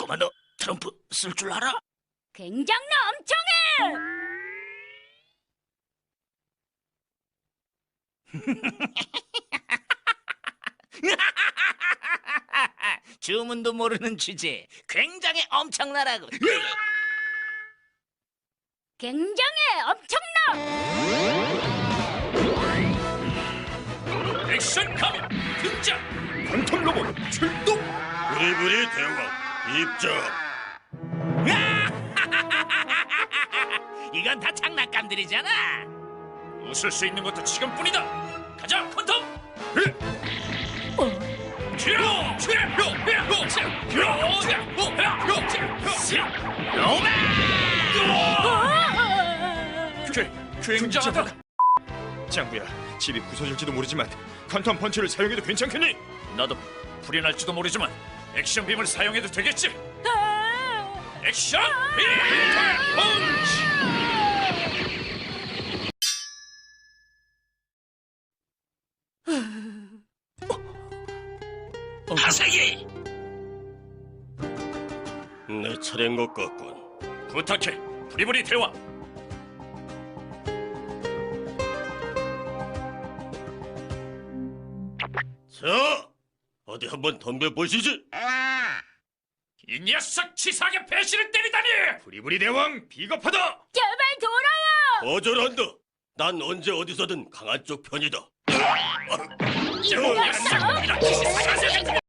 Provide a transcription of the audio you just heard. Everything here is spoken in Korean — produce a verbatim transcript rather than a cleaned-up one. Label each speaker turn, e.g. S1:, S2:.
S1: 꼬마 너 트럼프 쓸 줄 알아?
S2: 굉장나 엄청해!
S1: 주문도 모르는 주제. 굉장히 엄청나라고.
S2: 굉장해 엄청나!
S1: 액션 카메라 등장.
S3: 광탄 로봇 출동!
S4: 브리브리 대왕 입장.
S1: 이건 다 장난감들이잖아. 웃을 수 있는 것도 지금뿐이다. 가자, 퀀텀. 튀어! 튀어!
S3: 굉장하다. 장구야, 집이 부서질지도 모르지만 퀀텀 펀치를 사용해도 괜찮겠니?
S1: 나도 불이 날지도 모르지만 액션 빔을 사용해도 되겠지? 액션 빔 펀치! 하세기!
S4: 내 차례인 것 같군.
S1: 부탁해, 브리브리 대왕.
S4: 자, 어디 한번 덤벼보시지.
S1: 이 녀석 치사하게 배신을 때리다니!
S3: 부리부리 대왕 비겁하다.
S2: 제발 돌아와!
S4: 거절한다. 난 언제 어디서든 강한 쪽 편이다.
S2: 이 녀석!